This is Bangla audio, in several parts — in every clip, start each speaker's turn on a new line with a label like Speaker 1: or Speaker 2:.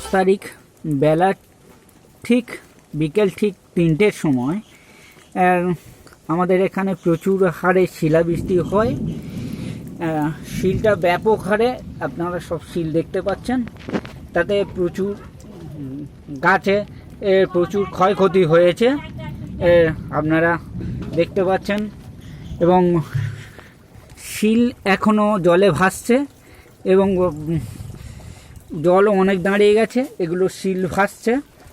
Speaker 1: তারিখ বেলা ঠিক বিকেল ঠিক 3টের সময় আমাদের এখানে প্রচুর হারে শিলাবৃষ্টি হয়। শিলটা ব্যাপক হারে, আপনারা সব শিল দেখতে পাচ্ছেন, তাতে প্রচুর গাছে প্রচুর ক্ষয়ক্ষতি হয়েছে আপনারা দেখতে পাচ্ছেন। এবং শিল এখনও জলে ভাসছে এবং জলও অনেক দাঁড়িয়ে গেছে, এগুলো শিল ভাসছে।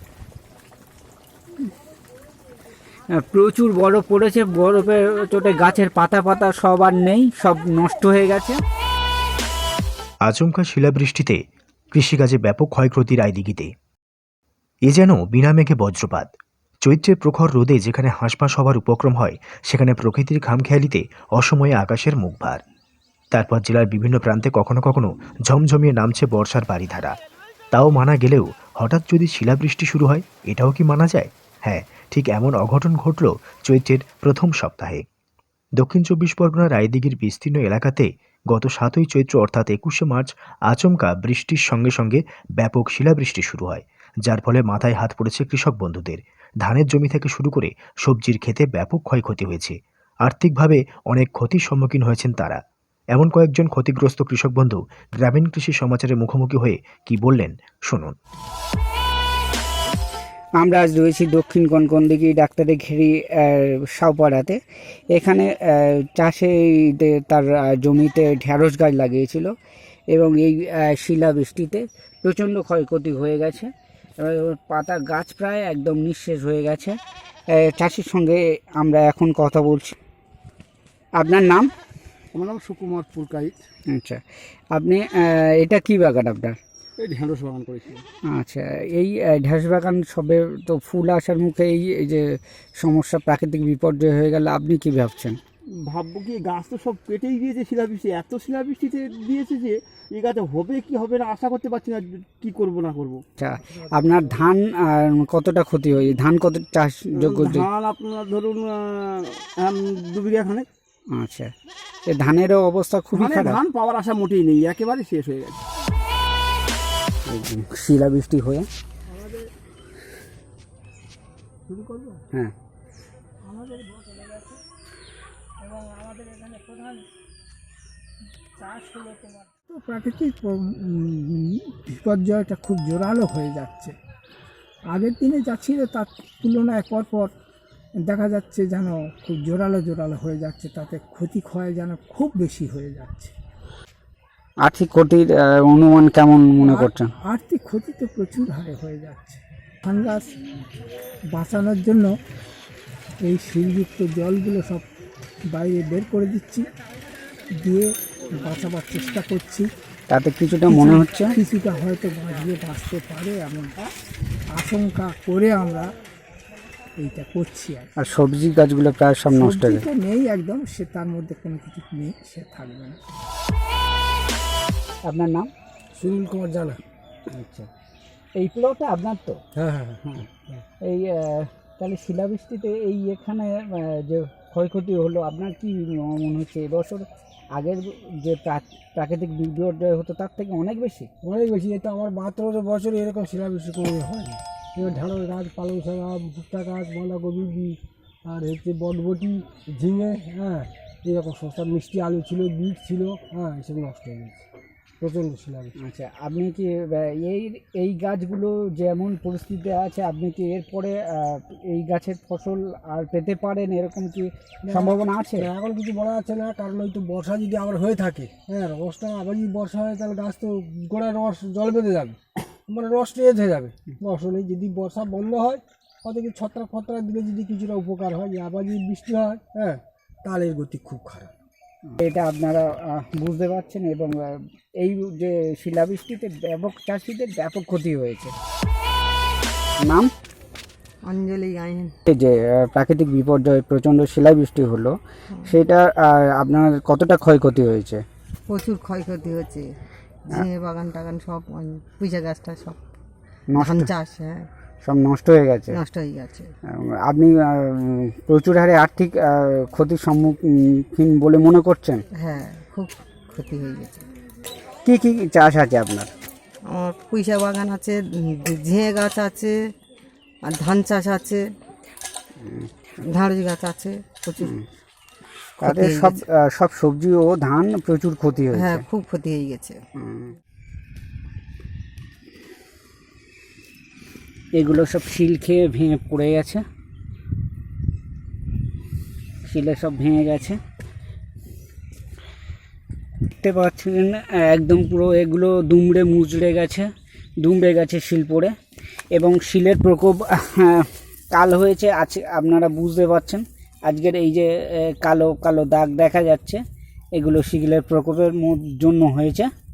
Speaker 1: প্রচুর বরফ পড়েছে, বরফের চোটে গাছের পাতা সব আর নেই, সব নষ্ট হয়ে গেছে।
Speaker 2: আচমকা শিলাবৃষ্টিতে কৃষিকাজে ব্যাপক ক্ষয়ক্ষতি রায়দিঘিতে। এ যেন বিনা মেঘে বজ্রপাত। চৈত্রের প্রখর রোদে যেখানে হাঁসফাঁস হবার উপক্রম হয়, সেখানে প্রকৃতির খামখেয়ালিতে অসময়ে আকাশের মুখ ভার। তারপর জেলার বিভিন্ন প্রান্তে কখনো কখনো ঝমঝমিয়ে নামছে বর্ষার বারিধারা। তাও মানা গেলেও হঠাৎ যদি শিলাবৃষ্টি শুরু হয়, এটাও কি মানা যায়? হ্যাঁ, ঠিক এমন অঘটন ঘটল চৈত্রের প্রথম সপ্তাহে। দক্ষিণ 24 পরগনার রায়দিঘির বিস্তীর্ণ এলাকাতে গত 7ই চৈত্র অর্থাৎ 21শে মার্চ আচমকা বৃষ্টির সঙ্গে সঙ্গে ব্যাপক শিলাবৃষ্টি শুরু হয়, যার ফলে মাথায় হাত পড়েছে কৃষক বন্ধুদের। ধানের জমি থেকে শুরু করে সবজির ক্ষেতে ব্যাপক ক্ষয়ক্ষতি হয়েছে। আর্থিকভাবে অনেক ক্ষতির সম্মুখীন হয়েছেন তারা। এমন কয়েকজন ক্ষতিগ্রস্ত কৃষক বন্ধু গ্রামীণ কৃষি সমাচারের মুখোমুখি হয়ে কি বললেন শুনুন।
Speaker 1: আমরা আজ রয়েছি দক্ষিণ কনকনদিঘি ডাক্তারের ঘেরি সাউপাড়াতে। এখানে চাষে তার জমিতে ঢেঁড়স গাছ লাগিয়েছিল এবং এই শিলাবৃষ্টিতে প্রচণ্ড ক্ষয়ক্ষতি হয়ে গেছে। পাতা গাছ প্রায় একদম নিঃশেষ হয়ে গেছে। চাষির সঙ্গে আমরা এখন কথা বলছি। আপনার নাম?
Speaker 3: আমার নাম সুকুমার পুরকাইত।
Speaker 1: আচ্ছা, আপনি এটা কি বাগান আপনার?
Speaker 3: এই ঢেঁড়স বাগান করেছি।
Speaker 1: আচ্ছা, এই ঢেঁড়স বাগান সবে তো ফুল আসার মুখে এই যে সমস্যা, প্রাকৃতিক বিপর্যয় হয়ে গেল, আপনি কি ভাবছেন?
Speaker 3: ভাববো কি, গাছ তো সব কেটেই দিয়েছে শিলাবৃষ্টি, এত শিলাবৃষ্টিতে দিয়েছে যে এই গাছে হবে কি হবে না আশা করতে পারছি না, কি করব না করব।
Speaker 1: আচ্ছা, আপনার ধান কতটা ক্ষতি হয়েছে? ধান কত চাষযোগ্য?
Speaker 3: ধান আপনার ধরুন 2 বিঘা খানে।
Speaker 1: আচ্ছা, এই ধানেরও অবস্থা খুবই খারাপ।
Speaker 3: ধান পাওয়ার আশা মোটেই নেই, একেবারে শেষ হয়ে গেছে
Speaker 1: শিলাবৃষ্টি হয়ে।
Speaker 3: শুরু করবো।
Speaker 1: হ্যাঁ,
Speaker 3: আমাদের চলে গেছে এবং আমাদের এখানে প্রধান চাষ হলো তোমার।
Speaker 4: তো প্রাকৃতিক বিপর্যয়টা খুব জোরালো হয়ে যাচ্ছে। আগের দিনে যা ছিল তার তুলনায় পরপর দেখা যাচ্ছে যেন খুব জোরালো হয়ে যাচ্ছে, তাতে ক্ষতি ক্ষয় যেন খুব বেশি হয়ে যাচ্ছে।
Speaker 1: আর্থিক ক্ষতির অনুমান কেমন মনে করছেন?
Speaker 4: আর্থিক ক্ষতি তো প্রচুর হারে হয়ে যাচ্ছে। ধান গাছ বাঁচানোর জন্য এই শিলযুক্ত জলগুলো সব বাইরে বের করে দিচ্ছি, দিয়ে বাঁচাবার চেষ্টা করছি।
Speaker 1: তাতে কিছুটা মনে হচ্ছে
Speaker 4: কিছুটা হয়তো বাঁচতে পারে এমন আশঙ্কা করে আমরা এইটা করছি।
Speaker 1: আর সবজি গাছগুলো প্রায় সব নষ্ট হয়ে গেছে।
Speaker 4: নেই একদম, সে তার মধ্যে কোনো কিছু নেই, সে থাকবে না।
Speaker 1: আপনার নাম?
Speaker 4: সুনীল কুমার জানা।
Speaker 1: আচ্ছা, এই প্লটটা আপনার তো?
Speaker 4: হ্যাঁ।
Speaker 1: এই তাহলে শিলাবৃষ্টিতে এই এখানে যে ক্ষয়ক্ষতি হলো, আপনার কি মনে হচ্ছে এবছর আগের যে প্রাকৃতিক বিপর্যয় হতো তার থেকে অনেক বেশি?
Speaker 4: অনেক বেশি। এটা আমার 72 বছরে এরকম শিলাবৃষ্টি কোনো হয়নি। এবার ঢেঁড়স গাছ, পালং শাক, ভুট্টা গাছ, বাঁধাকপি আর হচ্ছে বটবটি, ঝিঙে, হ্যাঁ এরকম সস্তা মিষ্টি আলু ছিল, বিট ছিল, হ্যাঁ এসব নষ্ট হয়ে গেছে, প্রচণ্ড শিলাবৃষ্টি।
Speaker 1: আচ্ছা, আপনি কি এই গাছগুলো যেমন পরিস্থিতিতে আছে, আপনি কি এরপরে এই গাছের ফসল আর পেতে পারেন, এরকম কি সম্ভাবনা আছে?
Speaker 4: এখন কিছু বলা যাচ্ছে না, কারণ ওই তো বর্ষা যদি আবার হয়ে থাকে, হ্যাঁ রসটা আবার যদি বর্ষা হয় তাহলে গাছ তো গোড়ায় রস জল বেঁধে যাবে, মানে রস টেজ হয়ে যাবে। ফসলে যদি বর্ষা বন্ধ হয়, হয়তো কি ছত্রাক দিলে যদি কিছুটা উপকার হয়, যে আবার যদি বৃষ্টি হয়, হ্যাঁ তাহলে এর গতি খুব খারাপ।
Speaker 1: এটা আপনারা বুঝতে পারছেন। এবং এই যে শিলাবৃষ্টিতে ব্যাপক চাষিদের ব্যাপক ক্ষতি হয়েছে। নাম?
Speaker 5: অঞ্জলি গাইন।
Speaker 1: এই যে প্রাকৃতিক বিপর্যয় প্রচণ্ড শিলাবৃষ্টি হলো, সেটা আপনার কতটা ক্ষয়ক্ষতি হয়েছে?
Speaker 5: প্রচুর ক্ষয়ক্ষতি হচ্ছে, ঝিঙে বাগান টাগান সব, পুঁইশা গাছটা সব ধান চাষ, হ্যাঁ
Speaker 1: সব নষ্ট হয়ে গেছে। আপনি প্রচুর হারে আর্থিক ক্ষতির সম্মুখীন বলে মনে করছেন?
Speaker 5: হ্যাঁ, খুব ক্ষতি হয়ে গেছে।
Speaker 1: কি কি চাষ আছে আপনার?
Speaker 5: আমার পুঁইশাক বাগান আছে, ঝিঙে গাছ আছে, আর ধান চাষ আছে, ঢাঁড়স গাছ আছে প্রচুর।
Speaker 1: তাদের
Speaker 5: হয়ে
Speaker 1: সব
Speaker 5: গেছে।
Speaker 1: সব সবজি ও ধান প্রচুর ক্ষতি হয়েছে।
Speaker 5: হ্যাঁ, খুব ক্ষতি হয়ে গেছে।
Speaker 1: এগুলো সব শিল খেয়ে ভেঙে পড়ে গেছে, শিলে সব ভেঙে গেছে। দেখতে পাচ্ছেন একদম পুরো এগুলো দুমড়ে মুচড়ে গেছে শিল পড়ে, এবং শিলের প্রকোপ কাল হয়েছে আছে, আপনারা বুঝতে পারছেন। আজকের এই যে কালো কালো দাগ দেখা যাচ্ছে, এগুলো শিলের প্রকোপের জন্য হয়েছে।